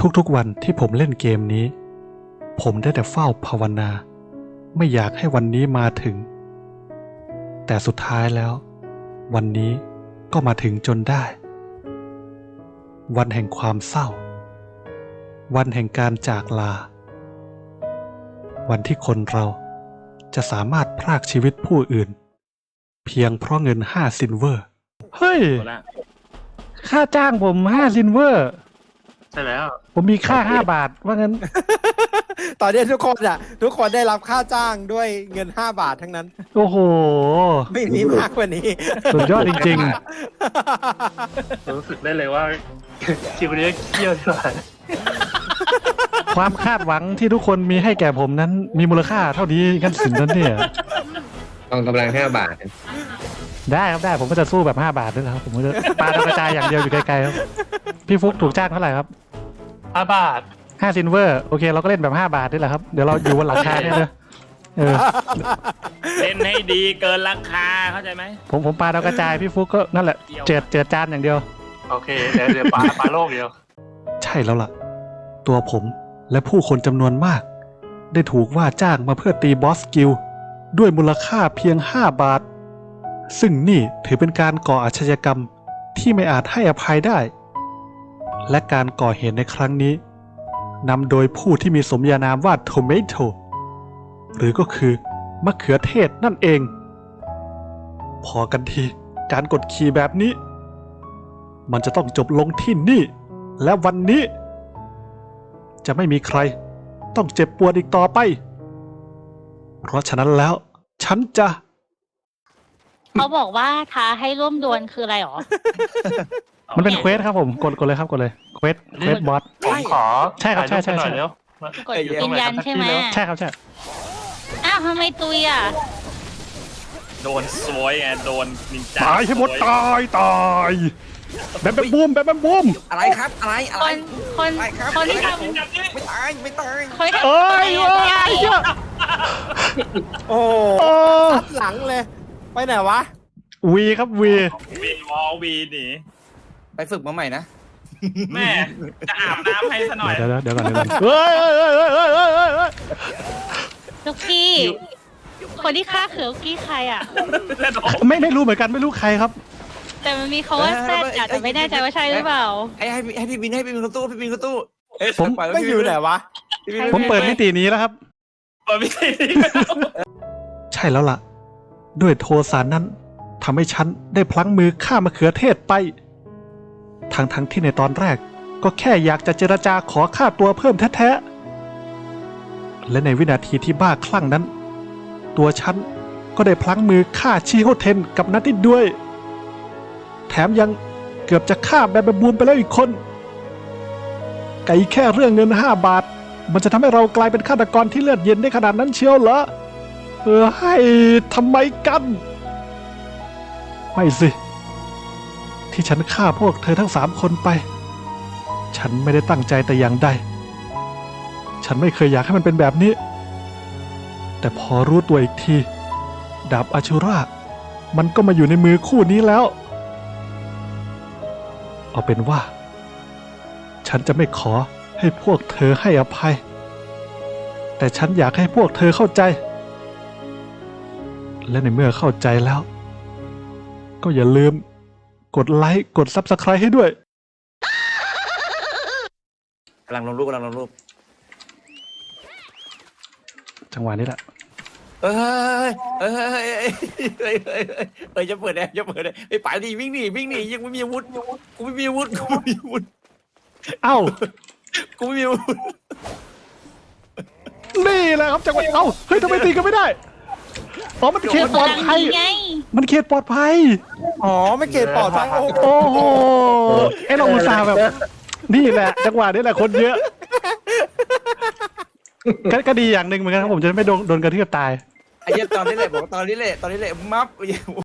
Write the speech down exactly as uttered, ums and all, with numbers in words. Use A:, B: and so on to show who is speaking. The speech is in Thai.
A: ทุกๆวันที่ผมเล่นเกมนี้ ผมได้แต่เฝ้าภาวนาไม่อยากให้วันนี้มาถึง แต่สุดท้ายแล้ว วันนี้ก็มาถึงจนได้ วันแห่งความเศร้า วันแห่งการจากลา วันที่คนเราจะสามารถพรากชีวิตผู้อื่น เพียงเพราะเงินห้าซิลเวอร์เฮ้ย
B: หมดละ
A: ค่าจ้างผมห้าซิลเวอร์
B: ใช่แล้ว
A: ผมมีค่าห้าบาทว่างั้น
C: ตอนนี้ทุกคนอ่ะ ทุกคนได้รับค่าจ้างด้วยเงินห้าบาททั้งนั้น
A: โอ้โห
C: ไม่มีมากกว่านี้
A: สุดยอดจริง
B: รู้สึกได้เลยว่า คิวนี้เคี่ยวที่สุด
A: ๆ ความคาดหวังที่ทุกคนมีให้แก่ผมนั้น มีมูลค่าเท่านี้กันสินนั้นเนี่ย
D: กองกำลังห้าบาท
A: ได้ครับได้ผมก็จะสู้แบบห้าบาทด้วยนะครับผมก็จะปาดาวกระจายอย่างเดียวอยู่ไกลๆครับพี่ฟุกถูกจ้างเท่าไหร่ครับ
B: ห้าบาท
A: ห้าซิลเวอร์โอเคเราก็เล่นแบบห้าบาทนี่แหละครับเดี๋ยวเราอยู่บนหลังคาเนี่ยเลยเออ
E: เล่นให้ดีเกินราคาเข้าใจไหม
A: ผมผมปาดาวกระจายพี่ฟุกก็นั่นแหละเจิดเจิดจานอย่างเดียว
B: โอเค เดี๋ยวเดี๋ยวปลาปลาโลกเดียว
A: ใช่แล้วล่ะ ตัวผมและผู้คนจำนวนมาก ได้ถูกว่าจ้างมาเพื่อตีบอสกิลด้วยมูลค่าเพียงห้าบาท ซึ่งนี่ถือเป็นการก่ออาชญากรรมที่ไม่อาจให้อภัยได้ และการก่อเหตุในครั้งนี้นำโดยผู้ที่มีสมญานามว่าโทเมโตหรือก็คือมะเขือเทศนั่นเอง พอกันทีการกดขี่แบบนี้ มันจะต้องจบลงที่นี่ และวันนี้ จะไม่มีใครต้องเจ็บปวดอีกต่อไป เพราะฉะนั้นแล้ว ฉันจะ
F: เขาบอกว่าท้าให้ร่วมดวลคืออะไรหรอ
A: มันเป็นเควสครับผมกดกดเลยครับกดเลยเควสเควสบอส
B: ผมขอ
A: ใช่ครับใช่ใช่
B: ถ่ายปหน่อย
A: ใช่
B: เร็ว
F: กดยืนยันใช่ไหม
A: ใช่ครับใช่
F: อ้าวทำไมตุยอ่ะ
E: โดนสวยไงโดนนินจา
A: ตายให้หมด
E: สวย
A: ตายตายแบบแบบบูมแบบแบบบูม
C: อะไรครับ อะไร อะ
F: ค
C: ไร
F: นคน
C: ไปครับ
F: คนที่ท
C: ไม่ตาย ไม่ตาย
F: ำคนที่ทำ
A: เอ้ยเอ้ยเหี้ย
C: โอ้
A: โอ้
C: ทัดหลังเลย ไปไหนวะ
A: วีครับวี
E: วีนวอลวีหนี
C: ไปฝึกมาใหม่นะ
E: แม่จะอาบน้ำให้ซะหน่อย
A: เดี๋ยวเดี๋ยวเดี๋ยวก่อนเดี๋ยวก่อนเฮ้ยเฮ้ยเฮ้ยเฮ้ยเฮ้ยเฮ้ยเฮ้ยเฮ้ย
F: ลูกกี้ คนที่ฆ่าเขือลูกกี้ใครอ่ะ
A: ไม่ไม่รู้เหมือนกันไม่รู้ใครครับ
F: แต่มันมีเขาว่าแซดอะแต่ไม่แน่ใจว่าใช่หรือเปล่า
C: ให้ให้ให้พี่บินให้พี่บินเข้าตู้พี่บินเข้าตู้
A: ผม
C: ไม่อยู่ไหนวะ
A: ผมเปิดมิตินี้แล้วครับ
E: เปิดไม่ได้
A: ใช่แล้วล่ะ ด้วยโทสะนั้นทำให้ฉันได้พลั้งมือฆ่ามะเขือเทศไป ทั้งทั้งที่ในตอนแรกก็แค่อยากจะเจรจาขอค่าตัวเพิ่มแท้ๆ และในวินาทีที่บ้าคลั่งนั้น ตัวฉันก็ได้พลั้งมือฆ่าชิโฮเทนกับนัตติดด้วย แถมยังเกือบจะฆ่าแบบแบบบูมไปแล้วอีกคน ไก่แค่เรื่องเงินห้าบาท มันจะทำให้เรากลายเป็นฆาตกรที่เลือดเย็นได้ขนาดนั้นเชียวเหรอ เออให้ทำไมกัน ไม่สิ ที่ฉันฆ่าพวกเธอทั้งสามคนไป ฉันไม่ได้ตั้งใจแต่อย่างใด ฉันไม่เคยอยากให้มันเป็นแบบนี้ แต่พอรู้ตัวอีกที ดาบอาชูรามันก็มาอยู่ในมือคู่นี้แล้ว เอาเป็นว่า ฉันจะไม่ขอให้พวกเธอให้อภัย แต่ฉันอยากให้พวกเธอเข้าใจ และในเมื่อเข้าใจแล้ว ก็อย่าลืมกดไลค์กด ซับสไครบ์ ให้ด้วย
C: กำลังลงรูปกำลังลงรูป
A: จังหวะนี้แหละ
C: เอ้ยเอ้ยเอ้ยเอ้ยเอ้ยเอ้ยเอ้ยเอ้ยจะเปิดแอร์จะเปิดแอร์ไอ้ป๋าดีวิ่งหนีวิ่งหนียังไม่มีอาวุธกูไม่มีอาวุธกูไม่มีอาวุธ
A: เอ้า
C: กูไม่มีอาวุธ
A: นี่แหละครับจังหวะเอ้า เฮ้ยทำไมตีกันไม่ได้ อ๋อ มันเขตปลอดภัย
F: ไง
A: มันเขตปลอดภัย
C: อ๋อไม่เกตปลอดภัยโอ้
A: โอ้โหไอเราอุตส่าห์แบบ นี่แหละ จังหวะนี้แหละคนเยอะก็ก็ดีอย่างหนึ่งเหมือนกันครับผมจะไม่โดนโดนกระทืบตาย
C: ไอ้เหี้ยตอนนี้แหละบอกตอนนี้แหละตอนนี้แหละมัฟ